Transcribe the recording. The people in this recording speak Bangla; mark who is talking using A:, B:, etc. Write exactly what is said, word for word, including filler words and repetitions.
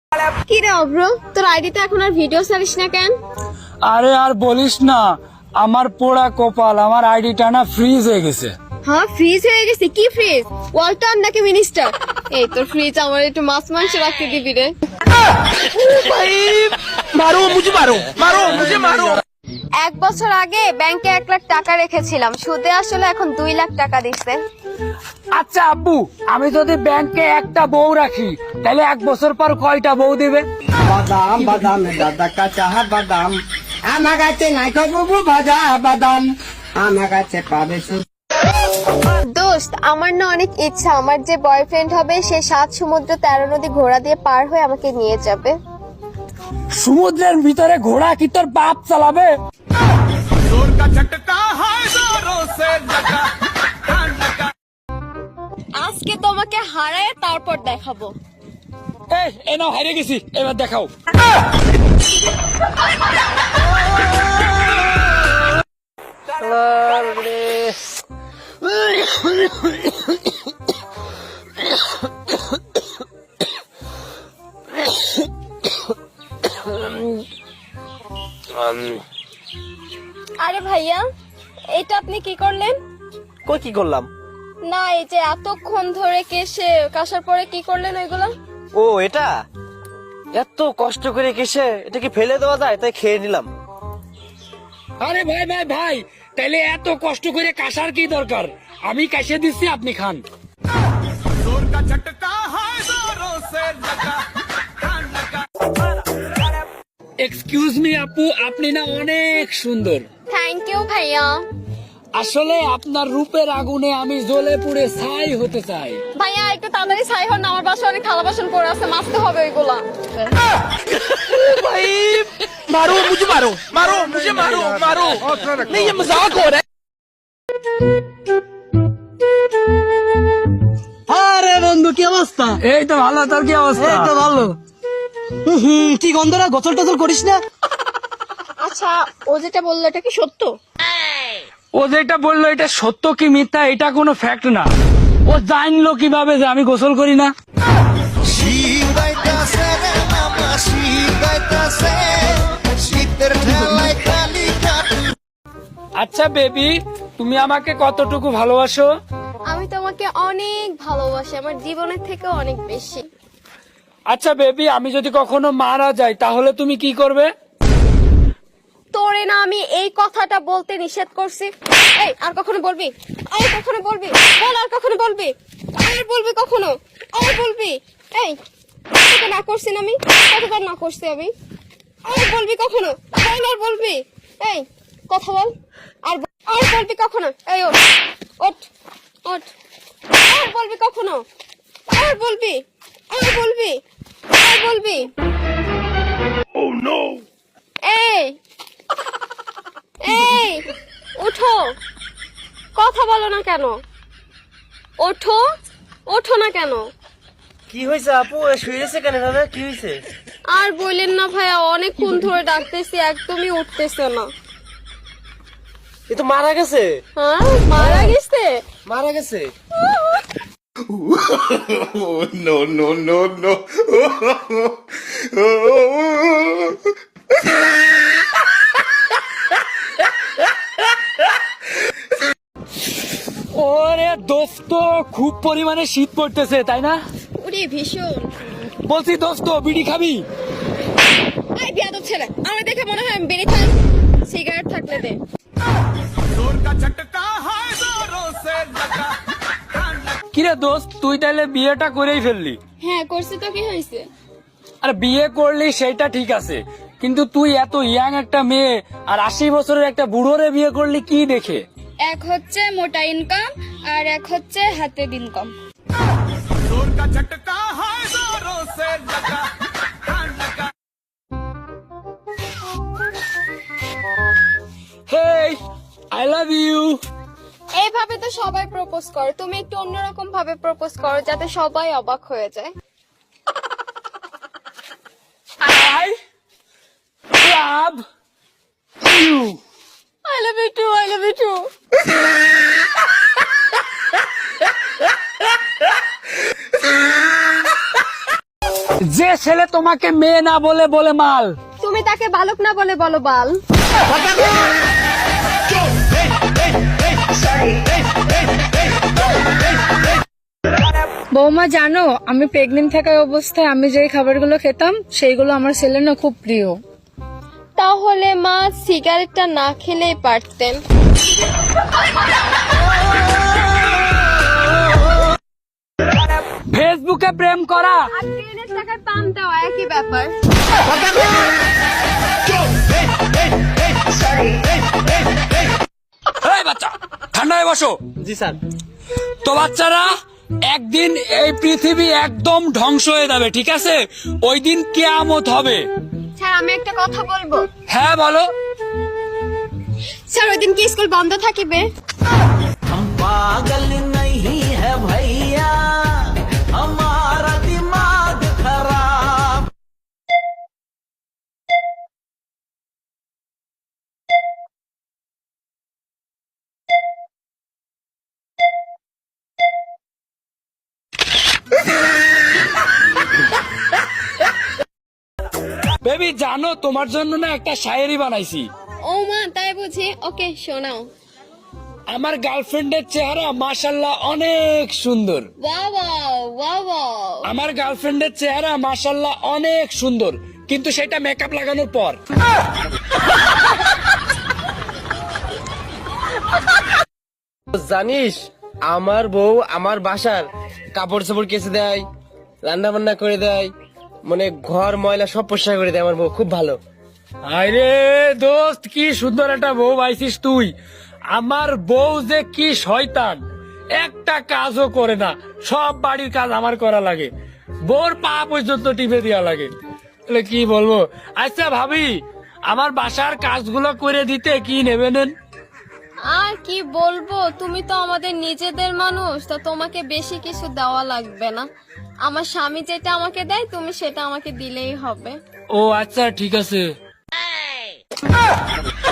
A: কি রে অব্র, তোর আইডিতে এখন আর ভিডিও ছাড়িস না কেন?
B: আরে আর বলিস না, আমার পোড়া কপাল, আমার আইডিটা না ফ্রিজ হয়ে গেছে।
A: হ্যাঁ, ফ্রিজ হয়ে গেছে? কি ফ্রিজ? ওয়ালটন নাকি মিনিস্টার? এই তোর ফ্রিজ আমার একটু মাছ মাংস রাখতে দিবি রে।
C: মারো মুঝে মারো মারো মুঝে মারো।
A: এক বছর আগে ব্যাংকে এক লাখ টাকা রেখেছিলাম, সুদে আসলে এখন দুই লাখ টাকা দিচ্ছে।
B: আচ্ছা আব্বু, আমি যদি ব্যাংকে একটা বউ রাখি তাহলে এক বছর পর কয়টা বউ দিবে?
D: বাদাম বাদাম দাদা কাঁচা বাদাম আমার কাছে নাই খাবো ভাজা বাদাম আমার কাছে পাবে শুধু।
A: দোস্ত, আমার না অনেক ইচ্ছা আমার যে বয়ফ্রেন্ড হবে সে সাত সমুদ্র তেরো নদী ঘোড়া দিয়ে পার হয়ে আমাকে নিয়ে যাবে।
B: সমুদ্রের ভিতরে ঘোড়া কি তোর বাপ চালাবে?
A: আজকে তোমাকে হারায় তারপর দেখাবো।
B: এই এ নাও, হারিয়ে গেছি, এবার দেখাও।
A: আরে ভাইয়া, এটা আপনি কি করলেন?
C: কই কি করলাম?
A: না, এই যে এতক্ষণ ধরে কেশে কাশার পরে কি করলেন ওইগুলা?
C: ও এটা এত কষ্ট করে কেসে এটা কি ফেলে দেওয়া যায়, তাই খেয়ে নিলাম।
B: আরে ভাই ভাই ভাই, তাহলে এত কষ্ট করে কাশার কি দরকার? আমি কাশে দিচ্ছি, আপনি খান। এক্সকিউজ মি আপু, আপনি না অনেক সুন্দর।
A: থ্যাংক ইউ ভাইয়া।
B: আসলে আপনার রূপের আগুনে আমি জ্বলে পুড়ে ছাই হতে চাই।
A: ভাইয়া একটু তাড়াতাড়ি ছাই হন না, আমার বাসায় অনেক থালা বাসন পড়ে আছে, মাজতে হবে ওইগুলা।
C: भाई मारो मुझे मारो मारो मुझे मारो मारो नहीं ये मजाक हो रहा है।
D: আরে বন্ধু কি অবস্থা?
B: এই তো ভালো, তোর কি অবস্থা?
D: এই তো ভালো। হুম, কি গন্ধ না, গোসল টোসল করিস না?
A: আচ্ছা, ও যেটা বললো এটা কি সত্য?
B: ও যেটা বললো এটা সত্য কি মিথ্যা এটা কোনো ফ্যাক্ট না। ও জানলো কিভাবে যে আমি গোসল করি না? আচ্ছা বেবি, তুমি আমাকে কতটুকু ভালোবাসো?
A: আমি তোমাকে অনেক ভালোবাসি, আমার জীবনের থেকে অনেক বেশি।
B: আচ্ছা বেবি, আমি যদি কখনো মারা যাই তাহলে তুমি কি করবে?
A: তোরে না আমি এই কথাটা বলতে নিষেধ করছি। এই আর কখনো বলবি? আর কখনো বলবি? বল, আর কখনো বলবি? আর বলবি কখনো? আর বলবি? এই তোকে না করছি না আমি? কতবার না করছি আমি? আর বলবি কখনো? বল, আর বলবি? এই কথা বল। আর ব- আর বলবি কখনো? এই ওঠ ওঠ ওঠ। আর বলবি কখনো? আর বলবি? আর বলবি? আর বলবি? এই এই ওঠো, কথা বলো না কেন? ওঠো, ওঠো না কেন?
C: কি হয়েছে আপু, শুয়েছে কেন দাদা, কি হয়েছে?
A: আর বললেন না ভাইয়া, অনেকক্ষণ ধরে ডাকতেছি, একদমই উঠতেছে না।
C: এ তো মারা গেছে।
A: হ্যাঁ, মারা গেছে?
C: মারা গেছে।
E: no, no, no, no.
B: ওরে দোস্ত, খুব পরিমাণে শীত পড়তেছে তাই না?
A: ওরে ভীষণ।
B: বলছি দোস্ত, বিড়ি খাবি?
A: এই বিয়াদব ছেলে, আমার দেখে মনে হয় আমি বেড়ে খাই। সিগারেট থাকলে দে।
B: কিরে দোস্ত, তুই তাহলে বিয়েটা করেই ফেললি?
A: হ্যাঁ করছি তো, কি হয়েছে?
B: আর বিয়ে করলি সেটা ঠিক আছে, কিন্তু তুই এত ইয়াং একটা মেয়ে আর আশি বছরের একটা বুড়োরে বিয়ে করলি কি দেখে?
A: এক হচ্ছে মোটা ইনকাম আর এক হচ্ছে হাতের income.
B: Hey, I love you.
A: এইভাবে তো সবাই প্রপোজ করে, তুমি একটু অন্যরকম ভাবে প্রপোজ করো যাতে সবাই অবাক হয়ে যায়।
B: I love you.
A: I love you too, I love you too.
B: যে ছেলে তোমাকে মেয়ে না বলে বলে মাল।
A: তুমি তাকে বালক না বলে বলো বাল।
F: বৌমা জানো, আমি প্রেগনেন্ট থাকা অবস্থায় আমি যেই খাবারগুলো খেতাম সেইগুলো আমার ছেলের না খুব প্রিয়।
A: তাহলে মা সিগারেটটা না খেলেই পারতেন।
B: ফেসবুকে প্রেম করা
A: আর ট্রেনের টাকায় পাম দেওয়া একই ব্যাপার।
B: এই বাচ্চা ঠান্ডায় বসো।
C: জি স্যার।
B: তো বাচ্চারা, একদিন এই পৃথিবী একদম ধ্বংস হয়ে যাবে, ঠিক আছে? ওই দিন কিয়ামত হবে।
A: স্যার আমি একটা কথা বলবো।
B: হ্যাঁ বলো।
A: স্যার ওই দিন কি স্কুল বন্ধ থাকিবে?
G: पागल नहीं है भैया हमारा दिमाग खराब।
B: বেবি জানো, তোমার জন্য না একটা শায়েরি বানাইছি।
A: ও মা তাই বুঝি? ওকে শোনাও।
B: আমার গার্লফ্রেন্ডের চেহারা মাশাল্লাহ অনেক সুন্দর।
A: Wow wow wow wow.
B: আমার গার্লফ্রেন্ডের চেহারা মাশাল্লাহ অনেক সুন্দর, কিন্তু সেটা মেকআপ লাগানোর পর।
C: জানিস, আমার বউ আমার বাসার কাপড় চাপড় কেচে দেয়, রান্না বান্না করে দেয়, মানে ঘর ময়লা সব পরিষ্কার করে দেয়। আমার বউ খুব ভালো।
B: আরে দোস্ত, কি সুন্দর একটা বউ পাইছিস তুই। আমার বউ যে কি শয়তান, একটা কাজও করে না, সব বাড়ির কাজ আমার করা লাগে, বউর পা পর্যন্ত টিপে দেওয়া লাগে। তাহলে কি বলবো। আচ্ছা ভাবি, আমার বাসার কাজগুলো করে দিতে কি নেবে নেন?
A: আর কি বলবো, তুমি তো আমাদের নিজেদের মানুষ, তো তোমাকে বেশি কিছু দেওয়া লাগবে না। আমার স্বামী যেটা আমাকে দেয় তুমি সেটা আমাকে দিলেই হবে।
B: ও আচ্ছা ঠিক আছে।